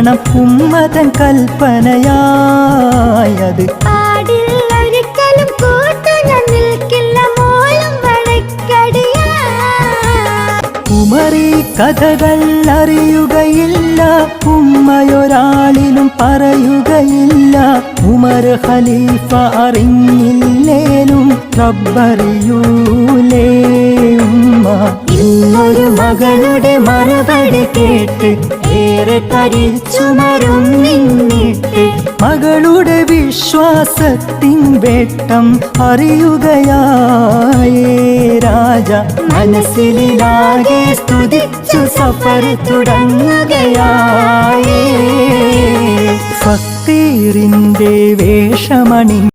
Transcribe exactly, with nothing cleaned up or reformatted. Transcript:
വേണം ഉമ്മതൻ കൽപ്പനയായത്. ഒരിക്കലും കൂട്ടുന്ന നിൽക്കില്ല മോളും വഴക്കടിയ. ഉമറി കഥകൾ അറിയുകയില്ല, ഉമ്മയൊരാളിലും പറയുകയില്ല. ഉമർ ഖലീഫ അറിഞ്ഞില്ലേലും റബ്ബറിയൂലേ ഉമ്മ. ഇന്നൊരു മകളുടെ മറുപടി കേട്ട് ഏറെ തരിച്ചുമരും നിന്നിട്ട് മകളുടെ വിശ്വാസത്തിൻ വേട്ടം അറിയുകയായേ രാജ. മനസ്സിലാകെ സ്തുതിച്ചു സഫർ തുടങ്ങുകയായേ. ഫക്കീറിന്റെ വേഷമണി